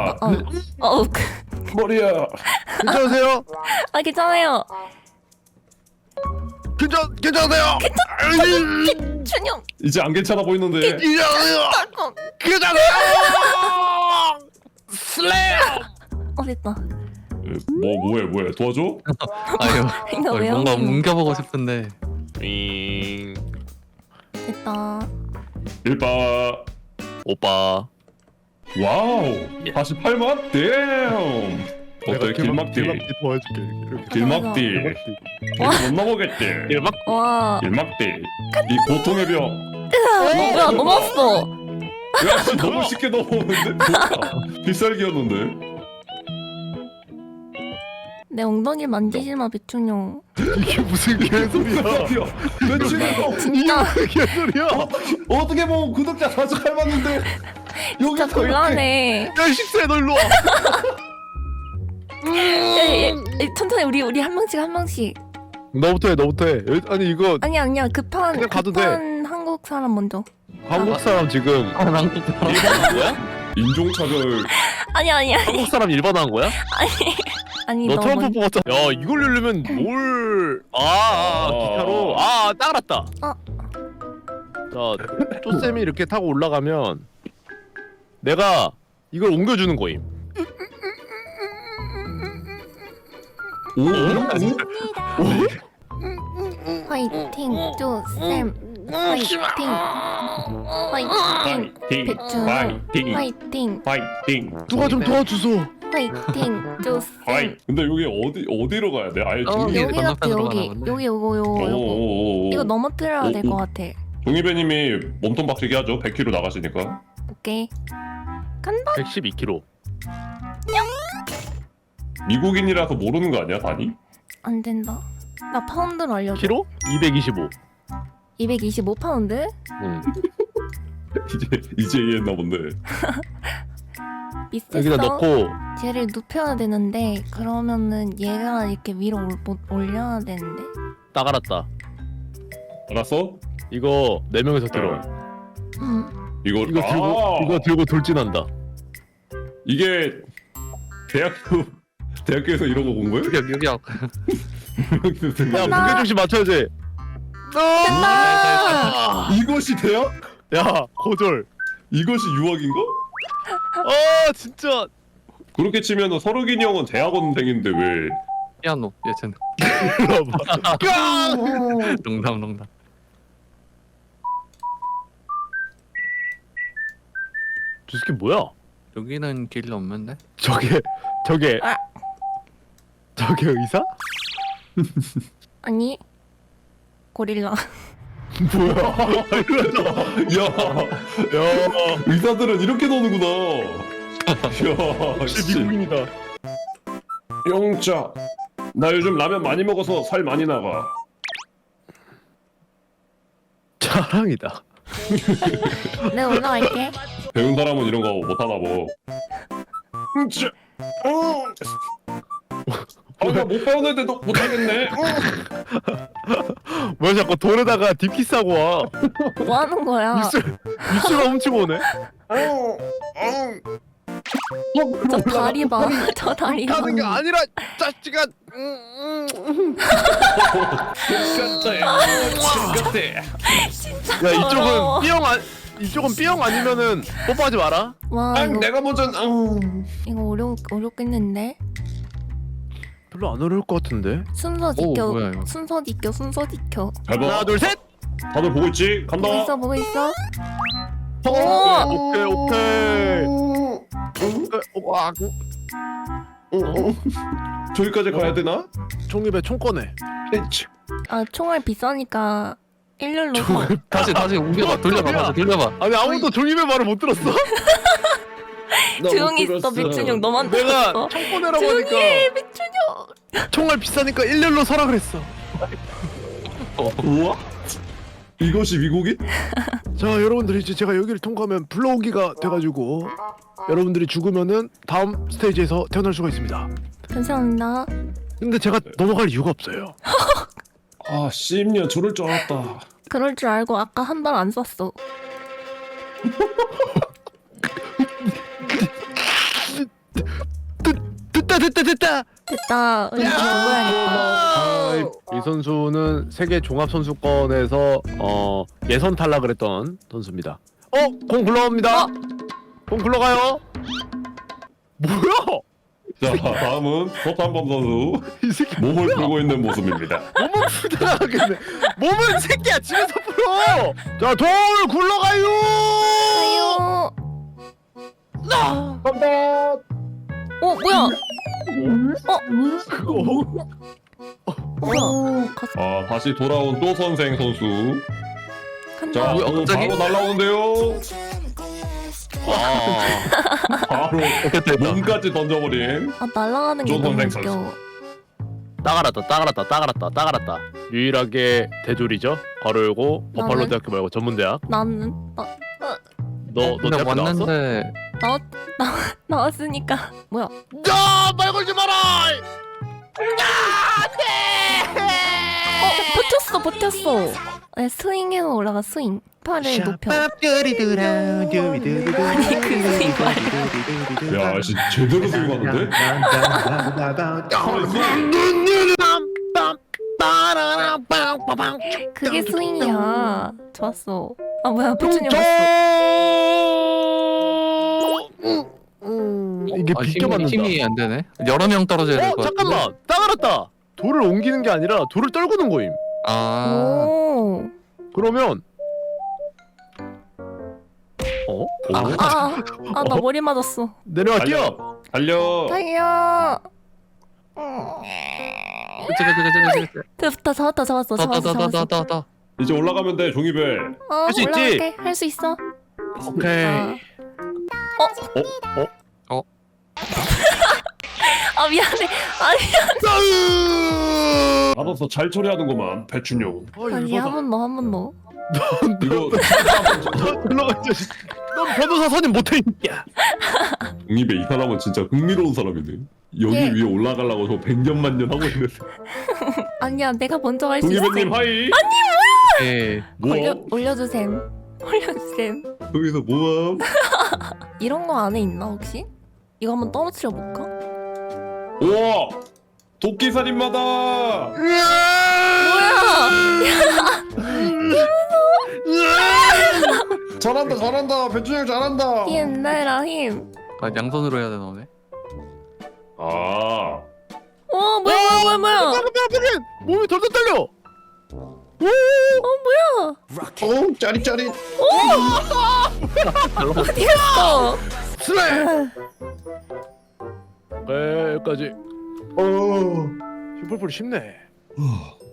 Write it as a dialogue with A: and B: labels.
A: 머리야. 머리야.
B: 괜찮으세요?
C: 아 괜찮아요.
B: 괜찮으세요?
C: 준영.
A: 이제 안 괜찮아 보이는데.
B: 괜찮아요. 괜찮아요. 슬램.
C: 됐다.
A: 뭐해 도와줘?
D: 아유,
C: 이거 왜
D: 뭔가
C: 엉키노?
D: 옮겨보고 싶은데.
C: 됐다.
A: 일바.
D: 오빠.
A: 와우. 48만? 댐. 어때 길막딜.
B: 도와줄게. 이렇게.
A: 길막딜. 못 넘어겠지.
B: 길막.
C: 와.
A: 길막딜. 이 고통의 벽.
C: 뭐야 넘었어.
A: 야, 너무 쉽게 넘어오는데? 뭐야? 필살기였는데?
C: 내 엉덩이 만지지 마 백준영.
B: 이게 무슨 개소리야?
A: 며칠이고
C: 진짜
B: 개소리야?
A: 어떻게 보면 구독자 48만인데
C: 진짜 곤란해.
B: 야 식세 너 일로 와.
C: 천천히 우리 한 명씩.
B: 너부터 해. 아니 이거
C: 아니야 급한
B: 그냥 가도
C: 한국 사람 먼저.
B: 한국 사람 지금
D: 한국 사람.
B: 일반한 거야?
A: 인종차별.
C: 아니
B: 한국 사람 일반한 거야?
C: 아니
B: 너
C: 너
B: 트럼프
C: 먼저.
B: 뽑았잖아. 야 이걸 누르면 뭘? 기타로. 딱 알았다. 자, 쪼쌤이 이렇게 타고 올라가면 내가 이걸 옮겨주는 거임.
C: 화이팅 쪼쌤. 화이팅. 화이팅. 백준영. 화이팅.
A: 파이팅.
B: 누가 좀 도와주소.
C: 화이팅 쪼쌤.
A: 근데 여기 어디로 가야 돼? 아예 종이.
D: 여기
C: 여기 같아
D: 건너편으로
C: 여기.
D: 가나 본데?
C: 여기 요거. 이거 넘어뜨려야 될 것 같아.
A: 종이배님이 몸통 박치기 하죠. 100km 나가시니까.
C: 오케이. 간다.
B: 112kg.
A: 미국인이라서 모르는 거 아니야, 단위?
C: 안 된다. 나 파운드로 알려줘.
B: 키로? 225.
C: 225 파운드?
B: 응.
A: 이제 이해했나 본데.
C: 미스터
B: 여기다 넣고
C: 쟤를 눕혀야 되는데 그러면은 얘가 이렇게 위로 올려야 되는데.
B: 딱 알았다.
A: 알았어?
B: 이거 4명이서 들어.
A: 이거
B: 이거 들고 돌진한다.
A: 이게 대학교에서 이런 거 본 거야?
D: 여기
B: 야 무게 중심 맞춰야지.
C: 됐다.
A: 이것이 대학?
B: 야 고졸.
A: 이것이 유학인가?
B: 진짜.
A: 그렇게 치면은 서르긴이 형은 대학원생인데 왜?
D: 피아노 예전. 농담.
B: 저 새끼 뭐야?
D: 여기는 길이 없는데?
B: 저게
C: 아.
B: 저게 의사?
C: 아니 고릴라.
B: 뭐야?
A: 야, 의사들은 이렇게 노는구나. 야,
B: 역시
A: 씨.
B: 미국인이다.
A: 영자, 나 요즘 라면 많이 먹어서 살 많이 나가.
B: 자랑이다.
C: 내가 올라갈게.
A: 배운 사람은 이런 거 못하나 뭐. 나못 배웠는데도 못하겠네.
B: 뭐야 자꾸 돌에다가 DP 싸고 와.
C: 뭐 하는 거야?
B: 입술가 훔치고 오네.
C: 저 다리 봐. 저 다리 봐.
B: 가는 게 아니라 짜치가. 야
C: 더러워.
B: 이쪽은 B형 아니면은 뽀뽀하지 마라.
C: 와 이거,
A: 내가 먼저.
C: 이거 어렵겠는데?
B: 별로 안 어려울 것 같은데.
C: 순서
D: 오,
C: 지켜.
D: 뭐야, 이거.
C: 순서 지켜.
A: 잘 봐.
B: 하나 둘 셋.
A: 다들 보고 있지? 간다.
C: 보고 있어?
B: 오케이.
A: 저기까지 가야 되나?
B: 총입에 총 꺼내.
C: 아 총알 비싸니까 일렬로.
D: 다시 옮겨봐. 돌려봐.
B: 아니 아무도 종입의 말을 못 들었어?
C: 조용히 있어 백준영 너만
B: 내가
C: 들었어.
B: 총 꺼내라고
C: 조용히
B: 하니까
C: 해 백준영.
B: 총알 비싸니까 일렬로 서라 그랬어.
A: 우와? 이것이 미국인?
B: 자 여러분들이 이제 제가 여기를 통과하면 불러오기가 돼가지고 여러분들이 죽으면은 다음 스테이지에서 태어날 수가 있습니다.
C: 감사합니다.
B: 근데 제가 넘어갈 이유가 없어요.
A: 아, 씹냐, 저럴 줄 알았다.
C: 그럴 줄 알고 아까 한 발 안 쐈어.
B: 됐다.
C: 됐다. 우리 공부해야겠다.
B: 이 선수는 세계 종합 선수권에서 예선 탈락을 했던 선수입니다. 공 굴러갑니다. 공 굴러가요. 뭐야?
A: 자, 다음은 서탄범 선수
B: 이 새끼
A: 몸을 풀고 있는 모습입니다.
B: 몸은 풀다가겠네. 몸은 새끼야 집에서 풀어. 자, 돌 굴러가요.
C: 아유.
B: 간다.
C: 뭐야? 뭐야?
A: 아, 다시 돌아온 또 선생 선수. 자,
C: 간다.
D: 뭐야,
A: 공
D: 갑자기?
A: 바로 날라오는데요. 바로
D: 됐다.
A: 몸까지 던져버린.
C: 날아가는 게
A: 좋은
C: 너무
A: 선생
C: 웃겨.
B: 따가랐다. 유일하게 대졸이죠. 괄호 열고 버팔로
C: 나는?
B: 대학교 말고 전문대학.
C: 나는
B: 너
D: 근데
B: 대학교 나왔어?
D: 왔는데
C: 나왔으니까 뭐야?
B: 야, 말 걸지 마라.
C: 버텼어. 네, 스윙해서 올라가 스윙. 팔을 높여. 아니 그 스윙 말고.
A: 야, 씨, 제대로 스윙하는데?
C: 그게 스윙이야. 좋았어. 아 뭐야? 부처님 왔어.
B: 이게 비껴 맞는다.
D: 힘이 안 되네. 여러 명 떨어져야 될 것 같은데.
B: 잠깐만, 따가랐다. 돌을 옮기는 게 아니라 돌을 떨구는 거임.
D: 아.
C: 오.
B: 그러면
C: 나 머리 맞았어.
B: 내려갈게요.
A: 달려.
C: 달려.
D: 그치.
C: 됐다. 잡았어.
D: 더.
A: 이제 올라가면 돼, 종이배.
B: 할수 있지?
C: 올라갈게. 할 수 있어.
B: 오케이.
C: 미안해.
A: 알아서 잘 처리하는구만, 배춘용.
C: 아니 한 번 더.
A: 이거
B: 올라가 이 자식. 넌 변호사 선임 못해 야.
A: 종이배 이 사람은 진짜 흥미로운 사람이네. 여기
C: 예.
A: 위에 올라가려고 저 100년만 년 하고 있는데.
C: 아니야, 내가 먼저 갈 수 있어.
A: 종이배님 하이.
D: 예.
A: 뭐야?
C: 올려주셈.
A: 여기서 뭐함?
C: 이런 거 안에 있나 혹시? 이거 한번 떨어뜨려 볼까?
A: 우와! 도끼살인마다!
C: 뭐야?
A: 잘한다. 배춘용 잘한다.
C: 힘 내라 힘.
D: 아, 양손으로 해야 되나 보네.
A: 아,
C: 뭐야?
B: 몸이 덜덜 떨려.
C: 뭐야?
A: 짜릿짜릿.
C: 어디 갔어?
B: 슬레. 여기까지. 슈퍼풀 쉽네.